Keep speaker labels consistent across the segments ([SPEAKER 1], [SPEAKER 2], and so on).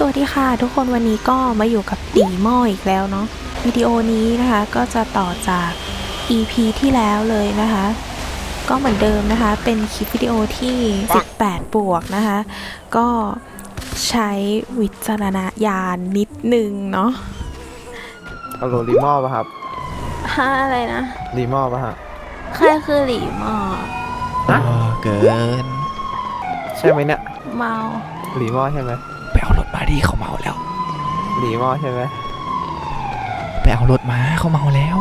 [SPEAKER 1] วัสดีค่ะทุกคนวันนี้ก็มาอยู่กับตีหม้ออีกแล้วเนาะวิดีโอนี้นะคะก็จะต่อจาก EP ที่แล้วเลยนะคะก็เหมือนเดิมนะคะเป็นคลิปวิดีโอที่18บวกนะคะก็ใช้วิจารณญาณนิดนึงเนาะ
[SPEAKER 2] ฮัลโหลรีมอป่ะครับ
[SPEAKER 1] อะไรนะ
[SPEAKER 2] รีมอป่ะฮะ
[SPEAKER 1] ใครคือหลีหม้อ
[SPEAKER 3] เกิน
[SPEAKER 2] ใช่ไหมเนี่ย
[SPEAKER 1] เมา
[SPEAKER 2] รีมอใช่ไหม
[SPEAKER 3] ไปเอารถมาดิเขาเมาแล้ว
[SPEAKER 2] รีมอใช่ไหม
[SPEAKER 3] ไปเอารถมาเขาเมาแล้ว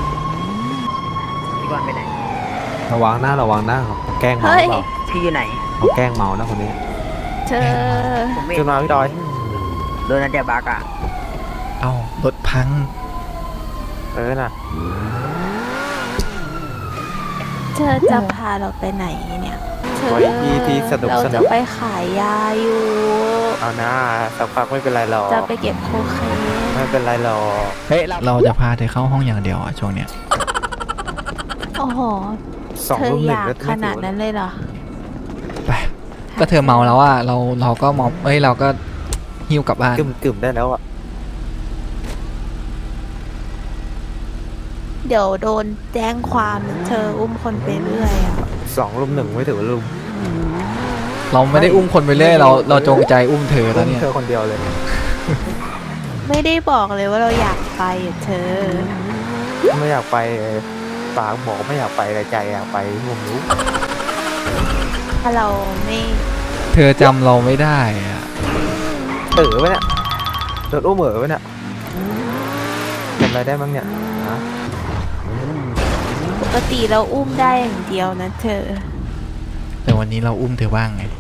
[SPEAKER 4] พี่บอลไปไหน
[SPEAKER 2] ระวังหน้าเขาแกล้งเมาเปล่า
[SPEAKER 4] พี่อยู่ไหน
[SPEAKER 2] เขาแกล้งเมานะคนนี้
[SPEAKER 1] เธอ
[SPEAKER 2] ขึ้นมาพี่ดอย
[SPEAKER 4] โดนนัดเดียบักอ่ะ
[SPEAKER 3] เอารถพัง
[SPEAKER 2] น่ะ
[SPEAKER 1] เธอจะพาเราไปไหนเนี่ย
[SPEAKER 2] ไว้ที่สนุก
[SPEAKER 1] เราจะไปขายยาอยู่
[SPEAKER 2] เอาหน้าสักพักไม่เป็นไรหรอก
[SPEAKER 1] จะไปเก็บโคเคน
[SPEAKER 2] ไม่เป็นไรหรอก
[SPEAKER 3] เฮ้ยเราจะพาเธอเข้าห้องอย่างเดียวอ่ะช่วงเนี้ย
[SPEAKER 1] โอ้โหเธออยากขนาดนั้นเลยเหรอ
[SPEAKER 3] ไปก็เธอเมาแล้วอ่ะเราก็มอมเราก็หิ้วกลับบ้าน
[SPEAKER 2] กึ่มได้แล้วอ่ะ
[SPEAKER 1] เดี๋ยวโดนแจ้งความเธออุ้มคนไปเรื่อยอ่ะ
[SPEAKER 2] 2 รุม 1ไม่ถือว่ารุม
[SPEAKER 3] เราไม่ได้อุ้มคนไปเรื่อยเราจงใจอุ้มเธอแล้วเนี่ย
[SPEAKER 2] เธอคนเดียวเลย
[SPEAKER 1] ไม่ได้บอกเลยว่าเราอยากไปเธอ
[SPEAKER 2] ไม่อยากไปปากบอกไม่อยากไปแต่ใจอยากไปผมรู้
[SPEAKER 1] ถ้าเราไม่
[SPEAKER 3] เธอจำเราไม่ได้อ่ะ
[SPEAKER 2] ไว้เนี่ยโดนอุ้มไว้เนี่ยจำอะไรได้บ้างเนี่ย
[SPEAKER 1] ปกติเราอุ้มได้อย่างเดียวนะเธอ
[SPEAKER 3] แต่วันนี้เราอุ้มเธอบ้างไง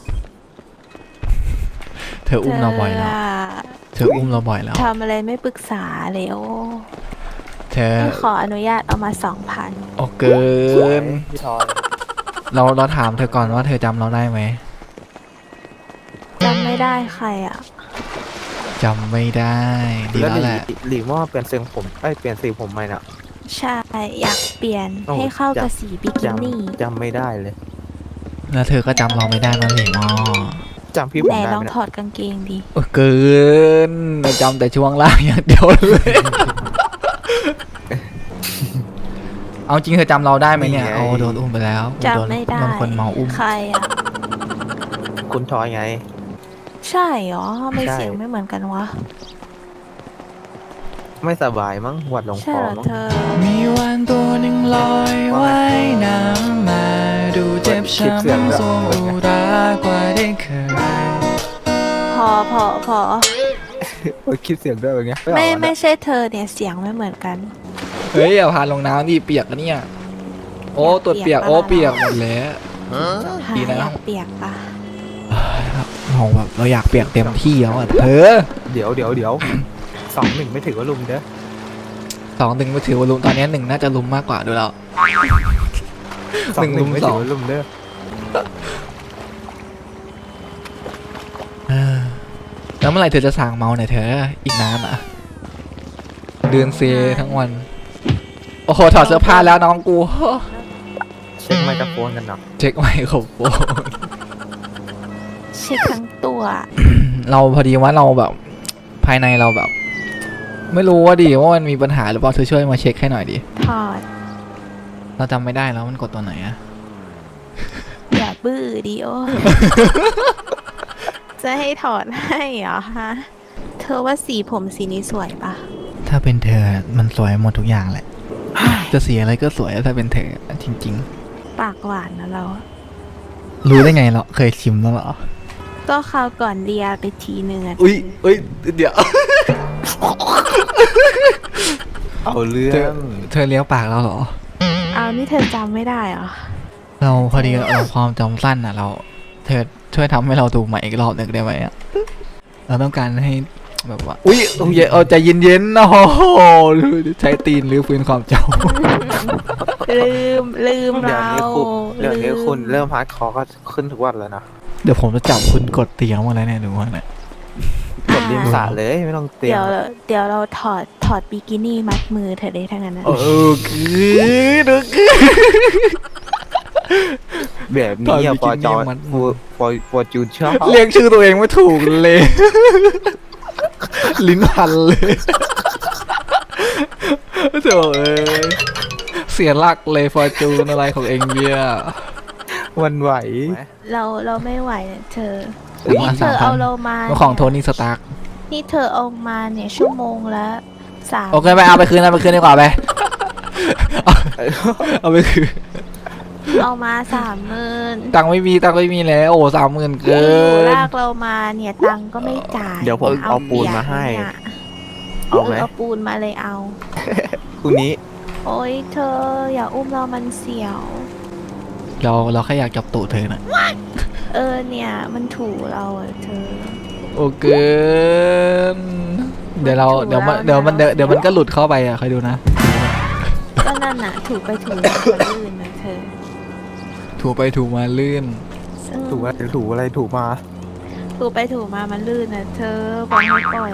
[SPEAKER 3] เธออุ้มเราบ่อยแล้วเธออุ้มเราบ่อยแล้ว
[SPEAKER 1] ทำอะไรไม่ปรึกษาเลยโอ้
[SPEAKER 3] เธอ
[SPEAKER 1] ขออนุญาตเอามา 2,000
[SPEAKER 3] โอ้เกินเราถามเธอก่อนว่าเธอจำเราได้ไหม
[SPEAKER 1] จำไม่ได้ใครอ่ะ
[SPEAKER 3] จำไม่ได้ดีแล้วแหละ
[SPEAKER 2] หลีว่าเปลี่ยนเสียงผมเปลี่ยนสีผมใหม่น่ะ
[SPEAKER 1] ใช่อยากเปลี่ยนให้เข้ากับสีบิกินี่
[SPEAKER 2] จำไม่ได้เลย
[SPEAKER 3] แล้วเธอก็จำเราไม่ได้นั่นเองอ๋อ
[SPEAKER 2] จำพี่ผม
[SPEAKER 1] ได้
[SPEAKER 2] ไหน
[SPEAKER 1] ลองถอดกางเกงดิ
[SPEAKER 3] เกินเราจำแต่ช่วงล่างอย่างเดียวเลยเอาจริงเธอจำเราได้ไหมเนี่ยเอาโดนอุ้มไปแล้ว
[SPEAKER 1] จำไม่ได้
[SPEAKER 3] โดนคนเมาอุ้ม
[SPEAKER 1] ใครอ่ะ
[SPEAKER 2] คุณทอยไง
[SPEAKER 1] ใช่หรอไม่เสียงไม่เหมือนกันวะ
[SPEAKER 2] ไม่สบายมั้งหวัดลงคอมั้ง
[SPEAKER 3] มีวันตัวหนึ่งลอยว่ายน้ำมาดูเจ็บช้ำทรงอุรากว่าได้เคย
[SPEAKER 1] พอ
[SPEAKER 2] คิดเสียงด้วยแบบเงี้ย
[SPEAKER 1] ไม่ใช่เธอเนี่ยเสียงไม่เหมือนกัน
[SPEAKER 3] เฮ้ยอย่าพาลงน้ำดิเปียกนะเนี่ยโอ้ตัวเปียกโอ้เปียกหมดแล้ว
[SPEAKER 1] ดีนะเปียกปะ
[SPEAKER 3] เราอยากเปียกเต็มที่แล้วอ่ะเธอ
[SPEAKER 2] เดี๋ยว2-1ไม่ถือว่าลุมเด้อ
[SPEAKER 3] 2-1ไม่ถือว่าลุมตอนนี้1น่าจะลุมมากกว่าดูแล้ว
[SPEAKER 2] 1 ลุมไม่ถือว่าลุมเด้อ
[SPEAKER 3] แล้วเมื่อไหร่เธอจะสั่งเมาหน่อยเธออีกนานอ่ะเดินเซทั้งวันโอ้โหถอดเสื้อผ้าแล้วน้องกู
[SPEAKER 2] เช็คไมโครโฟนกันหน่อย
[SPEAKER 3] เช็คไมโครโฟน
[SPEAKER 1] เช็คทั้งตัว
[SPEAKER 3] เราพอดีว่าเราแบบภายในเราแบบไม่รู้ว่าว่ามันมีปัญหาหรือเปล่าเธอช่วยมาเช็คให้หน่อยดิ
[SPEAKER 1] ถอด
[SPEAKER 3] เราจำไม่ได้แล้วมันกดตัวไหนอะ
[SPEAKER 1] อย่าบื้อดิโอจะให้ถอดให้เหรอฮะเธอว่าสีผมสีนี้สวยปะ
[SPEAKER 3] ถ้าเป็นเธอมันสวยหมดทุกอย่างแหละจะสีอะไรก็สวยถ้าเป็นเธอจริง
[SPEAKER 1] ๆปากหวานนะเรา
[SPEAKER 3] รู้ได้ไงเราเคยชิมแล้วเหรอ
[SPEAKER 1] ก็คราวก่อนเลียไปทีนึง
[SPEAKER 3] อุ้ยเดี๋ยว
[SPEAKER 2] เอาเรื่อง
[SPEAKER 3] เธอเลี้ยวปากเราเหรอ
[SPEAKER 1] เอานี่เธอจำไม่ได้เหรอ
[SPEAKER 3] เราพอดีเราความจำสั้นอ่ะเธอช่วยทำให้เราดูใหม่อีกรอบหนึ่งได้ไหมอ่ะเราต้องการให้แบบว่าอุ้ยเอาใจเย็นๆนะโอ้โหใช้ตีนหรือฟื้นความจ
[SPEAKER 1] ำลืมเรา
[SPEAKER 2] เดี๋ยวนี้คุณเริ่มฮาร์ดคอร์ก็ขึ้นทุกวันแล้วนะ
[SPEAKER 3] เดี๋ยวผมจะจับคุณกดเตียงมาแล้วเนี่ยดูว่าเนี่ย
[SPEAKER 2] กดเรียงสาเลยไม่ต้องเตียง
[SPEAKER 1] เดี๋ยวเราถอดบิกินี่มัดมือเธอได้ทั้งนั้นนะ
[SPEAKER 3] คือ
[SPEAKER 2] แบบนี้อะปอจอปอจูนชอบ
[SPEAKER 3] เรียกชื่อตัวเองไม่ถูกเลย ลิ้นพันเลยโถ่เอ้ยเสียหลักเลยฟอร์จูนอะไรของเองเนี่ย
[SPEAKER 2] วันไหว
[SPEAKER 1] เราไม่ไหวเนี่ยเธอ
[SPEAKER 3] ซื้อ
[SPEAKER 1] นี่
[SPEAKER 3] มา
[SPEAKER 1] เธอเอาเรามา
[SPEAKER 3] 3,000ของโทนี่สตาร์ก
[SPEAKER 1] นี่เธอเอามาเนี่ยชั่วโมงละ3
[SPEAKER 3] โอเคไปเอาไปคืนดีกว่าไป เอาไปคืน
[SPEAKER 1] เอามา30,000
[SPEAKER 3] ตังค์ไม่มีแล้วโอ้30,000เกิ
[SPEAKER 1] อยู่
[SPEAKER 3] น
[SPEAKER 1] ลากเรามาเนี่ยตังค์ก็ไม่จ่าย
[SPEAKER 2] เดี๋ยวผมเอาปูนมาให้
[SPEAKER 1] เนี่ย
[SPEAKER 2] เอาไหม
[SPEAKER 1] เอาปูนมาเลยเอา
[SPEAKER 2] คุณนี้
[SPEAKER 1] โอ๊ยเธออย่าอุ้มเรามันเสียว
[SPEAKER 3] เราแค่อยากจับตูดเธอน่ะ
[SPEAKER 1] เนี่ยมันถูเราอะเธอ
[SPEAKER 3] โอเกินเดี๋ยวมันก็หลุดเข้าไปอ่ะคอยดูนะ
[SPEAKER 1] ก็นั่นน่ะถูไปถูมามันลื่นนะเธอ
[SPEAKER 3] ถูไปถูมาลื่น
[SPEAKER 2] ถูอะไรถูอะไรถูมา
[SPEAKER 1] ถูไปถูมามันลื่นนะเธอปล่อยให้ปล่อย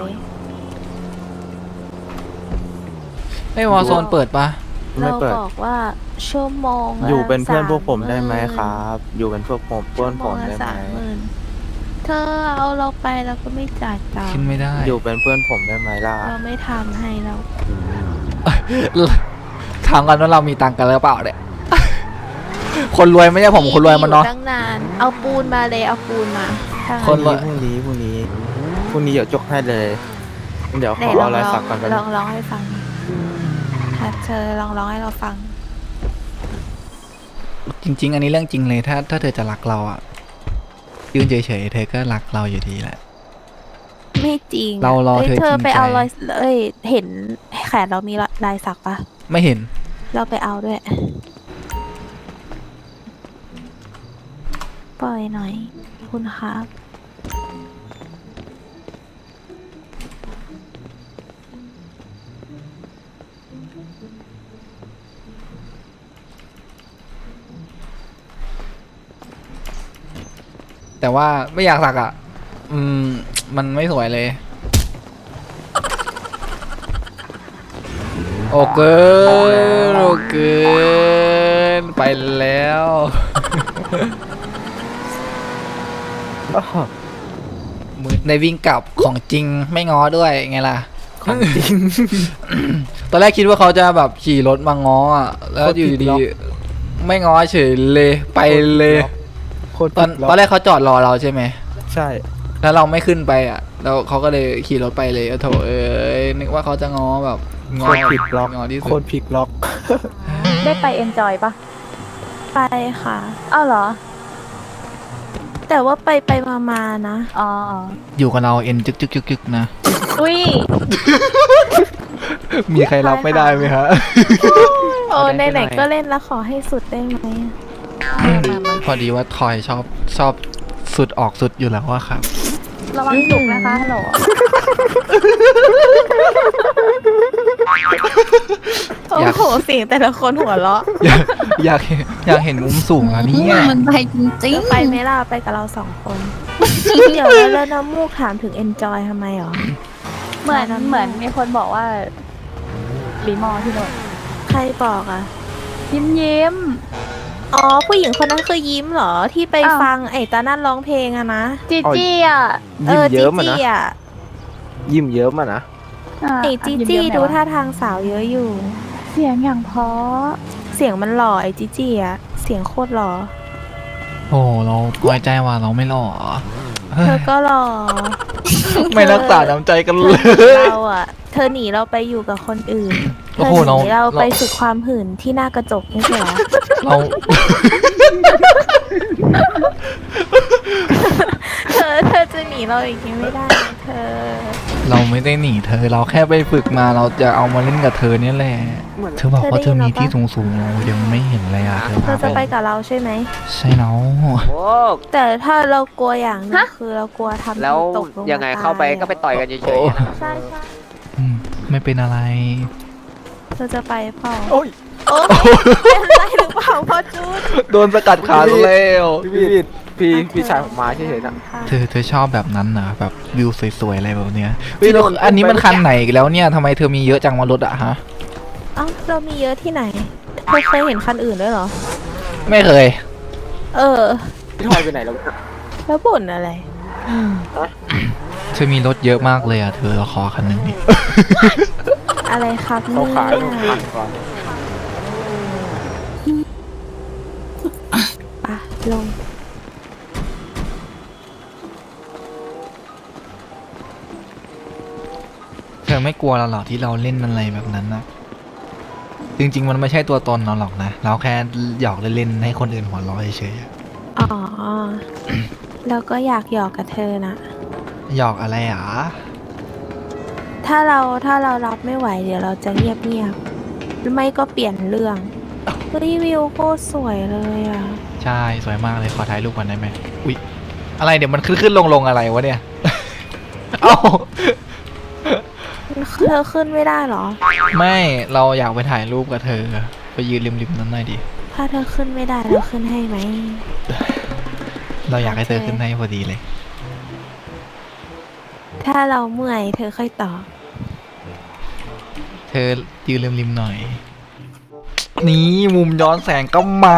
[SPEAKER 3] ไม่วอลโซนเปิดปะ
[SPEAKER 2] ไม่
[SPEAKER 1] เรา
[SPEAKER 2] เปิด
[SPEAKER 1] บอกว่าชั่วโมงละ
[SPEAKER 2] อยู่เป็นเพื่อนพวกผมได้ไหม
[SPEAKER 1] 30,000
[SPEAKER 2] ครับ อยู่เป็นพวกผมเพื่อนผมได้ไหม
[SPEAKER 1] 30,000เธอเอาเราไปแล้วก็ไม่จ่ายตัง
[SPEAKER 3] ขึ้น
[SPEAKER 1] ค์
[SPEAKER 3] ไม่ได้
[SPEAKER 2] อยู่เป็นเพื่อนผมได้ไหมล่ะ
[SPEAKER 1] เราไม่ทำให้เรา
[SPEAKER 3] ถามกันว่าเรามีตังค์กันหรือเปล่าเนี่ย คนรวยไม่ใช่ผมคนรวยมันเนาะ
[SPEAKER 1] อยู่ตั้งนานเอาปูนมาเลยเอาปูนมาถ้างั้
[SPEAKER 3] คน รวย
[SPEAKER 2] พรุ่งนี้เดี๋ยวจกให้เลย เดี๋ยวข
[SPEAKER 1] ไหน
[SPEAKER 2] อ
[SPEAKER 1] ลอ
[SPEAKER 2] เอา
[SPEAKER 1] ง
[SPEAKER 2] ลายสักกัน
[SPEAKER 1] ลองร้องให้ฟังค่ะเธอลองร้องให้เราฟัง
[SPEAKER 3] จริง ๆ อันนี้เรื่องจริงเลยถ้าเธอจะรักเราอ่ะยืนเฉยๆเธอก็รักเราอยู่ดีแหละ
[SPEAKER 1] ไม่จริง
[SPEAKER 3] เรารอ
[SPEAKER 1] อ้ย
[SPEAKER 3] เธอ
[SPEAKER 1] เธอ
[SPEAKER 3] จริง
[SPEAKER 1] ไปเอา
[SPEAKER 3] ใจ
[SPEAKER 1] รอยเห็นแขนเรามีลายสักปะ
[SPEAKER 3] ไม่เห็น
[SPEAKER 1] เราไปเอาด้วย ปล่อยหน่อย คุณครับ
[SPEAKER 3] แต่ว่าไม่อยากสักอ่ะ มันไม่สวยเลย โอเกินไปแล้ว ในวิ่งกลับของจริงไม่ง้อด้วยไงล่ะ
[SPEAKER 2] ของจริง
[SPEAKER 3] ตอนแรกคิดว่าเขาจะแบบขี่รถมาง้ออ่ะ แล้วอยู่ดีๆไม่ง้อเฉยเลยไปเลย ตอนแรกเขาจอดรอเราใช่ไหม
[SPEAKER 2] ใช่
[SPEAKER 3] แล้วเราไม่ขึ้นไปอ่ะ แล้วเขาก็เลยขี่รถไปเลยโถเอ้ยนึกว่าเขาจะง้อแบบ
[SPEAKER 2] โคตรพลิกล็อก
[SPEAKER 3] ง้อที่
[SPEAKER 2] โค
[SPEAKER 3] สุ
[SPEAKER 2] ต
[SPEAKER 3] ด
[SPEAKER 2] รพลิกล็อก
[SPEAKER 5] ได้ไปเอนจอยปะ
[SPEAKER 1] ไปค่ะ
[SPEAKER 5] อ้าวเหรอ
[SPEAKER 1] แต่ว่าไปมานะ
[SPEAKER 5] อ๋อ
[SPEAKER 3] อยู่กับเราเอ็นจึกนะ
[SPEAKER 5] อุ้ย
[SPEAKER 3] มีใครรับไม่ได้ไหมฮะ
[SPEAKER 1] โอ้ไหนๆก็เล่นแล้วขอให้สุดได้ไหมอะ
[SPEAKER 3] พอดีว่าทอยชอบสุดออกสุดอยู่แล้วอะครับ
[SPEAKER 5] ระวังจุกนะคะฮัลโหล
[SPEAKER 1] โอ้โหเสียงแต่ละคนหัวเราะ
[SPEAKER 3] อยากเห็นมุมสูงอ่ะเนี่ย
[SPEAKER 5] มันไปจริง
[SPEAKER 1] ไปไหมล่ะไปกับเรา2 คน เดี๋ยวแล้วน้ำมูกถามถึง enjoy ทำไมหรอ
[SPEAKER 5] เหมือนมีคนบอกว่ารีมอที่โดน
[SPEAKER 1] ใครบอกอ่ะ
[SPEAKER 5] ยิ้ม
[SPEAKER 1] อ๋อ ผู้หญิงคนนั้นคือยิ้มเหรอ ที่ไป
[SPEAKER 5] อ้าว
[SPEAKER 1] ฟังไอ้ตานั่นร้องเพลงอะนะ
[SPEAKER 5] จีจี้อ่ะ
[SPEAKER 2] ยิ้มเยิ้มอ่ะ
[SPEAKER 1] จี
[SPEAKER 2] นะ
[SPEAKER 1] จี้อะ
[SPEAKER 2] ยิ้มเยิ้มอ่ะนะ
[SPEAKER 1] ไอ้จีจี้ดูท่าทางสาวเยอะอยู่
[SPEAKER 5] เสียงอย่างเพราะ
[SPEAKER 1] เสียงมันหล่อไอ้จีจี้อะเสียงโคตรหล่อ
[SPEAKER 3] โอ้เราไว้ใจว่าเราไม่หล่อ
[SPEAKER 1] เธอก็หล่อ
[SPEAKER 3] ไม่รักษาน้ำใจกันเลย
[SPEAKER 1] เราอะเธอหนีเราไปอยู่กับคนอื่น เธ
[SPEAKER 3] โอ้
[SPEAKER 1] อ
[SPEAKER 3] โห
[SPEAKER 1] หนี
[SPEAKER 3] เรา
[SPEAKER 1] เราไปฝึกความหื่นที่หน้ากระจกไม่ใช่เหรอ
[SPEAKER 3] เรา
[SPEAKER 1] เธอจะหนีเราอีกทีไม่ได้นะเธอ
[SPEAKER 3] เราไม่ได้หนีเธอเราแค่ไปฝึกมาเราจะเอามาเล่นกับเธอเนี่ยแหละเธอบอกว่าเธอมีที่สูงๆเรายังไม่เห็นเลยอ่ะเธอ
[SPEAKER 1] เธอจะไปกับเราใช่ไหม
[SPEAKER 3] ใช่เนาะ
[SPEAKER 4] โอ้
[SPEAKER 1] แต่ถ้าเรากลัวอย่างหนึงคือเรากลัวทำ
[SPEAKER 4] แล้ว
[SPEAKER 1] ตกลง
[SPEAKER 4] ยังไง
[SPEAKER 1] มต
[SPEAKER 4] เข้าไปก็ไปต่อยกันเฉยๆอะนะ
[SPEAKER 1] ใช่ใช่
[SPEAKER 3] ไม่เป็นอะไร
[SPEAKER 1] เธอจะไปเปล่า
[SPEAKER 3] โอ้ย
[SPEAKER 1] โอ้ยเป็นอะไรหรือเปล่าพ่อจูด
[SPEAKER 3] โดนสกัดขาแล้ว
[SPEAKER 2] พี่ชายผมมาเฉยๆนะ
[SPEAKER 3] เธอชอบแบบนั้นนะแบบวิวสวยๆอะไรแบบเนี้ยเฮ้ยแล้วอันนี้มันคันไหนอีกแล้วเนี่ยทำไมเธอมีเยอะจังมารถอะฮะ
[SPEAKER 1] เอ้าเรามีเยอะที่ไหนเธอเคยเห็นคันอื่นด้วยเหรอ
[SPEAKER 3] ไม่เคย
[SPEAKER 1] เออ
[SPEAKER 2] พี่ทอยไปไหนแล้วเนี่ย
[SPEAKER 1] แล้วบ่นอะไร
[SPEAKER 3] เธอมีรถเยอะมากเลยอ่ะเธอเราขอคันหนึ่งดิ
[SPEAKER 1] อะไรครับ
[SPEAKER 2] เขา
[SPEAKER 1] เนี่
[SPEAKER 2] ขาย
[SPEAKER 1] ย
[SPEAKER 2] 6,000ก่อน
[SPEAKER 1] ปะลง
[SPEAKER 3] เธอไม่กลัวเราหรอที่เราเล่นอะไรแบบนั้นนะจริงๆมันไม่ใช่ตัวตนเราหรอกนะเราแค่หยอกเล่นๆให้คนอื่นหัวเราะเฉยๆอะ
[SPEAKER 1] อ๋อ แล้วก็อยากหยอกกับเธอนะ
[SPEAKER 3] หยอกอะไรอ่ะ
[SPEAKER 1] ถ้าเรารับไม่ไหวเดี๋ยวเราจะเงียบหรือไม่ก็เปลี่ยนเรื่องเฮ้ยวิวโคตรสวยเลยอ่ะ
[SPEAKER 3] ใช่สวยมากเลยขอถ่ายรูปก่อนได้ไหมอุ๊ยอะไรเดี๋ยวมันขึ้นลงอะไรวะเนี่ย เอ้า
[SPEAKER 1] เธอขึ้นไม่ได้เหรอ
[SPEAKER 3] ไม่เราอยากไปถ่ายรูปกับเธอไปยืนริมๆนั้นหน่อยดิ
[SPEAKER 1] ถ้าเธอขึ้นไม่ได้เราขึ้นให้ไหม
[SPEAKER 3] เราอยากให้เธอขึ้นให้พอดีเลย
[SPEAKER 1] ถ้าเราเมื่อยเธอค่อยต่อ
[SPEAKER 3] เธอยืนริมๆหน่อย นี่มุมย้อนแสงก็มา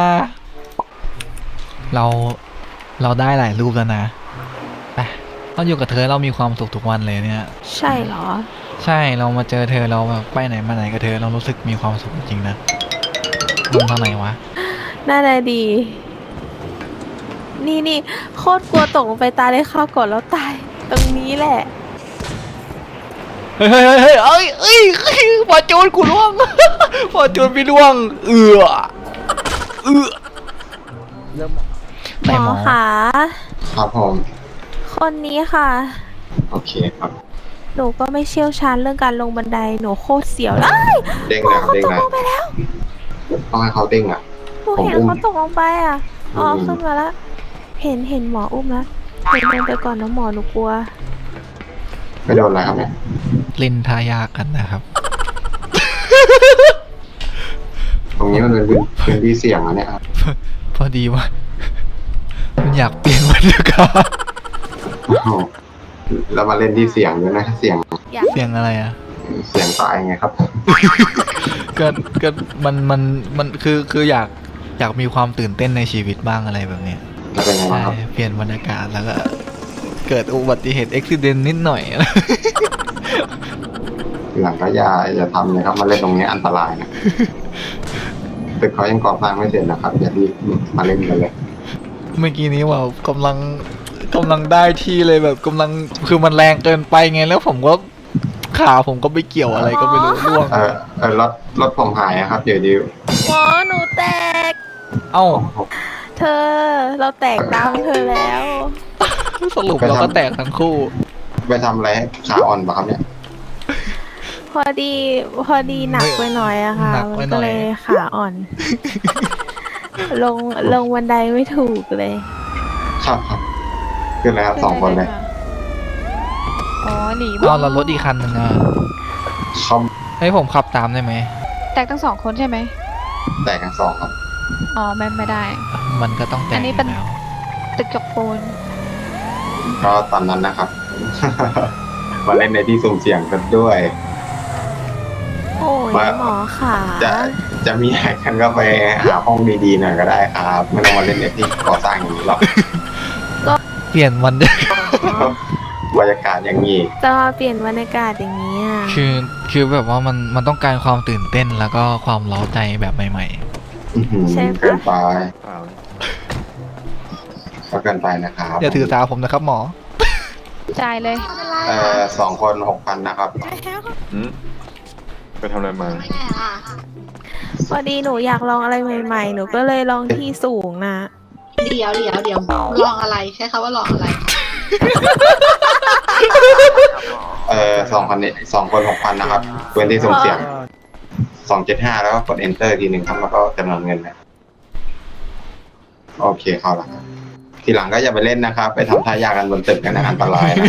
[SPEAKER 3] เราได้หลายรูปแล้วนะไปเราอยู่กับเธอเรามีความสุขทุกวันเลยเนี่ย
[SPEAKER 1] ใช่เหรอ
[SPEAKER 3] ใช่เรามาเจอเธอเราแบบไปไหนมาไหนกับเธอเรารู้สึกมีความสุขจริงๆนะลงทางไหนวะ
[SPEAKER 1] น่าจะดี นี่โคตรกลัวตกลงไปตายเลยข้าวก่อนแล้วตาย ตรงนี้แหละ
[SPEAKER 3] เฮ้ยเอ้ยพอจูนกูล่วง พอจูนพี่ล่วง เริ่ม
[SPEAKER 1] ห
[SPEAKER 3] ไหน
[SPEAKER 1] ม
[SPEAKER 3] หม
[SPEAKER 1] อ
[SPEAKER 3] อ
[SPEAKER 1] คะ
[SPEAKER 6] ครับผม
[SPEAKER 1] คนนี้ค่ะ
[SPEAKER 6] โอเคครับ
[SPEAKER 1] หนูก็ไม่เชี่ยวชาญเรื่องการลงบันได หนูโคตรเสียวเลย
[SPEAKER 6] เด้งนะเด้ง
[SPEAKER 1] ตก
[SPEAKER 6] นะ
[SPEAKER 1] ลงไปแล้ว
[SPEAKER 6] ต้องให้เขาเด้งอ่ะ
[SPEAKER 1] หนูเห็น
[SPEAKER 6] ผมอุ้ม
[SPEAKER 1] เขาตกลงไปอ่ะ อ๋อ
[SPEAKER 6] อืม
[SPEAKER 1] ขึ้นมาแล้ว เห็นหมออุ้มแล้วหนูเดินไปก่อนนะหมอหนูกลัว
[SPEAKER 6] ไม่โดนอะไรครับเนี่ย
[SPEAKER 3] เล่นท่ายากกันนะครับ
[SPEAKER 6] ตรงนี้มันเป็นพื้นที่เสี่ยงอะเนี่ยครับ
[SPEAKER 3] พอดีว่ามันอยากเปลี่ยนบรรยากาศ
[SPEAKER 6] โอ้โหแล้วมาเล่นที่เสี่ยงด้วยนะเสี่ยง
[SPEAKER 3] เสียงอะไรอ่ะ
[SPEAKER 6] เสี่ยงตายไงครับ
[SPEAKER 3] ก็มันคืออยากมีความตื่นเต้นในชีวิตบ้างอะไรแบบเนี้ย
[SPEAKER 6] แล้วเป็นไง
[SPEAKER 3] ใช่
[SPEAKER 6] บ้างครับ
[SPEAKER 3] เปลี่ยนบรรยากาศแล้วก็ เกิดอุบัติเหตุอุบิเหตุนิดหน่อย
[SPEAKER 6] หลังก็อย่าทำเลยครับมาเล่นตรงนี้อันตรายนะตึกเขายังก่อสร้างไม่เสร็จนะครับอย่ารีบมาเล่นกันเลย
[SPEAKER 3] เมื่อกี้นี้ว่ากำลังได้ที่เลยแบบกำลังคือมันแรงเกินไปไงแล้วผมก็ขาผมก็ไปเกี่ยวอะไรก็ไม่รู้ร่วง
[SPEAKER 6] รถผมหายอะครับเดี๋ยวดิว
[SPEAKER 1] หมอหนูแตก
[SPEAKER 3] เอ้า
[SPEAKER 1] เธอ เราแตกตามเธอแล้ว
[SPEAKER 3] สรุปเราก็แตกทั้งคู่
[SPEAKER 6] ไปทำอะไรให้ขาอ่อนปะครับเนี่ย
[SPEAKER 1] พอดีหนักไปหน่อยอะค่ะ
[SPEAKER 3] หนักไป
[SPEAKER 1] มัน
[SPEAKER 3] หน่
[SPEAKER 1] ก็
[SPEAKER 3] อย
[SPEAKER 1] เลยขาอ่อน ลงบันไดไม่ถูกเลย
[SPEAKER 6] ครับขึ้นแล้วครับ2 คนเลย
[SPEAKER 5] อ๋อหนี
[SPEAKER 3] เอาเรารถอีกคันหนึ่งอ่ะ
[SPEAKER 6] เขา
[SPEAKER 3] ให้ผมขับตามได้ไหม
[SPEAKER 5] แตกทั้งสองคนใช่ไหม
[SPEAKER 6] แตกกัน2ครับ
[SPEAKER 5] อ๋อไม่ได้
[SPEAKER 3] มันก็ต้องแต
[SPEAKER 5] อั
[SPEAKER 3] ก
[SPEAKER 5] นนี้
[SPEAKER 3] อ
[SPEAKER 5] เป็น
[SPEAKER 3] ยู่แล้ว
[SPEAKER 5] ตึกจกปูน
[SPEAKER 6] ก็ตอนนั้นนะครับ มาเล่นในที่สุ่มเสี่ยงกันด้วย
[SPEAKER 1] โอ้ย
[SPEAKER 6] ว่า
[SPEAKER 1] หมอขา
[SPEAKER 6] จะมีอะไรกันก็ไปหาห้องดีๆหน่อยก็ได้ครับไม่ต้องมาเล่นในที่ก่อสร้างอย่างนี้หรอก
[SPEAKER 3] เปลี่ยนวัน
[SPEAKER 6] บรรยากาศอย่างนี้
[SPEAKER 1] จะมาเปลี่ยนบรรยากาศอย่างนี้อะ
[SPEAKER 3] คือแบบว่ามันต้องการความตื่นเต้นแล้วก็ความเร้าใจแบบใหม่
[SPEAKER 6] อื้อหือเกินไปก็เกินไปนะครับ
[SPEAKER 3] ๆอย่าถือสาผมนะครับหมอ
[SPEAKER 5] จ่ายเลย
[SPEAKER 6] 2 คน 6,000 นะครับ
[SPEAKER 2] ไปทำอะไรมา
[SPEAKER 1] พอดีหนูอยากลองอะไรใหม่ๆ หนูก็เลยลองที่สูงนะ
[SPEAKER 7] เดี๋ยวลองอะไรใช้คำว่าลองอะไร
[SPEAKER 6] 2 คนนี้2 คน 6,000 นะครับพื้นที่สุ่มเสี่ยง 275 แล้วก็กด enter ทีหนึ่งครับแล้วก็จำนวนเงินนะโอเคเข้าละครับทีหลังก็อย่าไปเล่นนะครับ ไปทำท่ายากกันบนตึกกันนะอันตรายนะ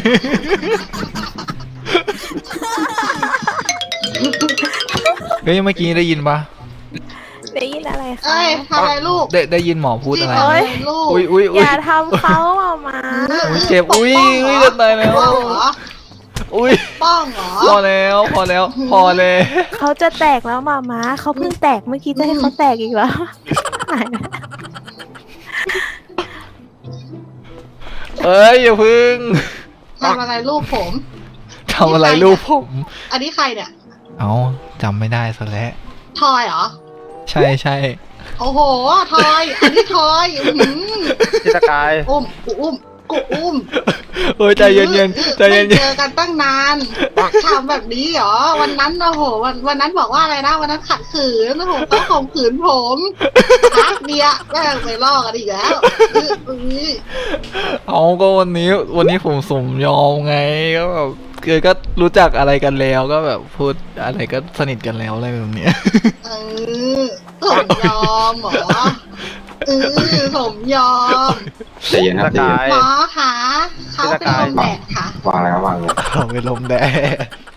[SPEAKER 3] เฮ้ยเมื่อกี้ได้ยินปะ
[SPEAKER 1] ได้ยินอะไรคะ
[SPEAKER 7] เอ้ยทำอะไรลูก
[SPEAKER 3] ได้ยินหมอพูดอะไร
[SPEAKER 7] ทำอะไรลูก
[SPEAKER 3] อุ้ย
[SPEAKER 1] อย่าทำเขาอะมา
[SPEAKER 3] อุ้ยเจ็บอุ้ยจะตายแล้ว
[SPEAKER 7] ป้องเหรอ
[SPEAKER 3] อุ้ย
[SPEAKER 7] ป้องเหรอ
[SPEAKER 3] พอแล้วพอแล้ว
[SPEAKER 1] เขาจะแตกแล้วมาเขาเพิ่งแตกเมื่อกี้จะให้เขาแตกอีกแล้วหายแล้ว
[SPEAKER 3] เอ้ยอย่าพึ่ง
[SPEAKER 7] ทำอะไรลูกผม
[SPEAKER 3] ทำอะไรลูกผม
[SPEAKER 7] อันนี้ใครเนี่ย
[SPEAKER 3] เอาจำไม่ได้ซะแล้ว
[SPEAKER 7] ทอยเหรอ
[SPEAKER 3] ใช่ใช่
[SPEAKER 7] โอ้โห ทอย อันนี้ทอยอื้อหือ
[SPEAKER 2] พี่สกาย
[SPEAKER 7] อุ้มกูอุ้มกูอุ้ม
[SPEAKER 3] เฮ้ยใจเย็นๆใจเย็น
[SPEAKER 7] ไม่เจอกันตั้งนานทำแบบนี้เหรอ วันนั้นโอ้โหวันนั้นบอกว่าอะไรนะ วันนั้นขัดขืนโอ้โหเขาข่มขืนผมพักเดียวแม่งไปลอกกันอีกแล้วอื้อ
[SPEAKER 3] ๆเอาก็วันนี้ผมสมยอมไงก็แบบคือก็รู้จักอะไรกันแล้วก็แบบพูดอะไรก็สนิทกันแล้วอะไรแบบเนี้ย
[SPEAKER 7] เออสมยอมเหรอสมยอม
[SPEAKER 6] ใจเย็นครับใจเย็น
[SPEAKER 7] หมอคะเขาเป็นลมแดดค่ะ
[SPEAKER 6] วางแล้ววางเลย
[SPEAKER 3] เอาไปลมแดด